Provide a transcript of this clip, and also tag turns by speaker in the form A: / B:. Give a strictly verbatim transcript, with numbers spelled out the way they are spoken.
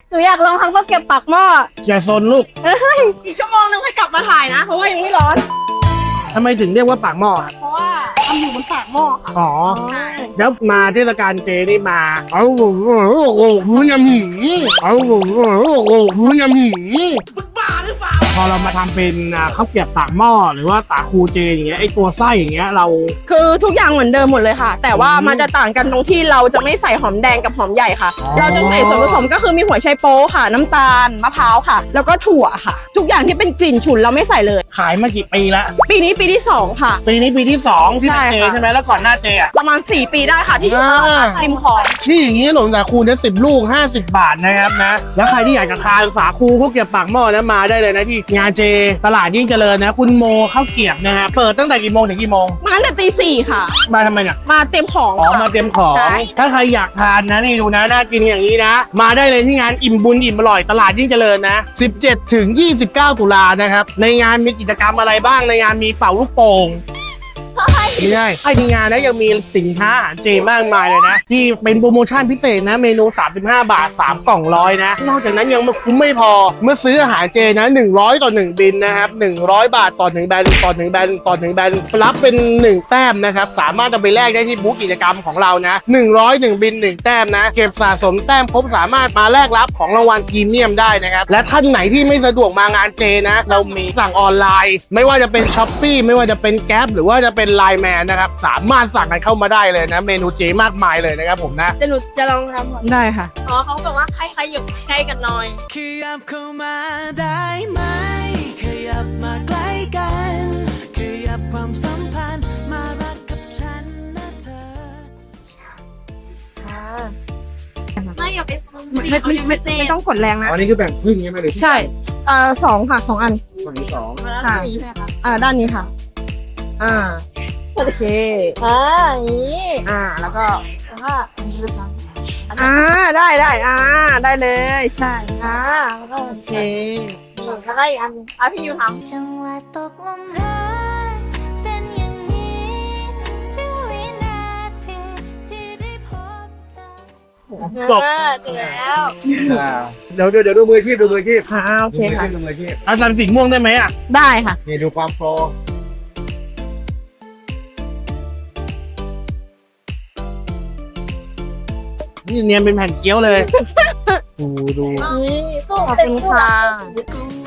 A: หนูอยากลองทำข้าวเกรี๊ยวปากหม้อ
B: อย่าโซนลูก
A: เฮ้ยอีกชั่วโมงนึงให้กลับมาถ่ายนะ เพราะว่ายังไม่ร้อน
B: ทำไมถึงเรียกว่าปากหม้อครับ
A: เพราะว่าทำอยู่บนปากหม้อค่ะ
B: อ๋อ
A: ใช่
B: แล้วมาเทศกาลเจนี่มา เอาโอ้โหโอ้โหยำหืมเอาโอ้โหโอ้โหยำหืมบ้าหรือเปล่าพอเรามาทำเป็นอ่าข้าวเกรี๊ยวปากหม้อหรือว่าสาคูเจอย่างเงี้ยไอตัวไส้อย่างเงี้ยเรา
A: คือทุกอย่างเหมือนเดิมหมดเลยค่ะ แต่ว่ามันจะต่างกันตรงที่เราจะไม่ใส่หอมแดงกับหอมใหญ่ค่ะ
B: อ๋อ
A: เราจะใส่ส่วนผสมก็คือมีหัวไชโป๊ค่ะ น้ำตาลมะพร้าวค่ะ แล้วก็ถั่วค่ะ ทุกอย่างที่เป็นกลิ่นฉุนเราไม่ใส่เลย
B: ขายมากี่ปีละ
A: ปีนี้ปีที่สองค่ะ
B: ปีนี้ปีที่สองที่เป็นเจ
A: ใช่ค่ะ
B: ใช่ไหมแล้วก่อนหน้าเจอ่ะ
A: ประมาณสี่ปีได้ค่ะที่อยู่
B: อ่า
A: ริมคลอง
B: นี่อย่างนี้หลงสาคูเนี่ยสิบลูกห้าสิบบาทนะครับนะแล้วใครที่อยากจะทานสาคูข้าวเกรี๊ยวปากหม้อนะมาได้เลยนะที่งานเจตลาดยิ่งเจริญนะคุณโมข้าวเกรี๊ยวนะฮะเปิดตั้งแต่กี่โมงถึงกี่โมง
A: มาตั้งแต่ตีสี่ค่ะ
B: มาทำไมเนี่ย
A: มาเต็มของ
B: อ๋อ
A: ค่ะ
B: มาเตรียมของ
A: ใช่
B: ถ้าใครอยากทานนะนี่ดูนะน่ากินอย่างนี้นะ มาได้เลยที่งานอิ่มบุญอิ่มอร่อยตลาดยิ่งเจริญนะสิบเจ็ดถึงยี่สิบเก้าตุลานะครับในงานมีกิจกรรมอะไรบ้างในงานมีเป่าลูกโป่งไม่ใช่ไอ้ที่งานนะยังมีสินค้าอาหารเจมากมายเลยนะ ที่เป็นโปรโมชั่นพิเศษนะเมนูสามสิบห้าบาทสามกล่องร้อยนะนอกจากนั้นยังไม่คุ้มไม่พอเมื่อซื้ออาหารเจนะหนึ่งร้อยต่อหนึ่งบินนะครับหนึ่งร้อยบาทต่อหนึ่งแบนต่อหนึ่งแบนต่อหนึ่งแบนรับเป็นหนึ่งแต้มนะครับสามารถจะไปแลกได้ที่บูธกิจกรรมของเรานะหนึ่งร้อยหนึ่งบินหนึ่งแต้มนะเก็บสะสมแต้มครบสามารถมาแลกรับของรางวัลพรีเมียมได้นะครับและท่านไหนที่ไม่สะดวกมางานเจนะเรามีสั่งออนไลน์ ไม่ว่าจะเป็นช้อปปี้ไม่ว่าจะเป็นแก๊ปหรือว่าจะเป็นไลน์แมนนะครับสามารถสั่งกันเข้ามาได้เลยนะเมนูเจมากมายเลยนะครับผมนะ
A: จะหนูจะลองทำก่อน
C: ได้ค่ะ
A: อ๋อเขาบอกว่าใครๆอยู่ใกล้กันหน่อย
C: ขยับเข้ามาได้ไหม ขยับมาใกล้กัน ขยับความสัมพันธ์มารักกับฉันนะเธอ
A: ไม่อย่าไปซูม
C: ไม่ไม่ไม่ไม่ไม่ต้องกดแรงนะ
D: อันนี้คือแบ่งครึ่งใช่ไหมหรือ
C: ใช่ เอ่อสองค่ะสองอัน
D: ฝั่งที่สอง
A: ค่ะนี้ใช่ไหมคะ
C: อ่า ด้านนี้ค่ะ อ่า โอเค
A: อ่าอย่างนี้
C: อ่า แล้วก็
A: แล้วก็อันนี้นะคะ
C: อ่า ได้ได้อ่า ได้เลย ใช่
A: อ่าแล้วก็
C: โอเค
A: แล้วก็อีกอันอ่ะพี่ยูทำ
E: จังหวะตกลมรักเป็นอย่างนี้เสี้ยววินาทีที่ได้พบเธอ
B: จบ
A: อ่าถึงแล้ว
D: อ่าเดี๋ยวเดี๋ยวเดี๋ยวดูมืออาชีพดูมืออาชีพ
C: อ่า โอเค
D: ดูมือ
C: ค่ะ
D: อาชีพดูมืออาชีพ
B: เอาทำสีม่วงได้ไหมอ่ะ
C: ได้ค่ะ
D: นี่ดูความโปร
B: นี่เนียนเป็นแผ่นเกี๊ยวเลย ดูดู
A: นี่สู้
C: ขอบคุณค่ะ
E: คง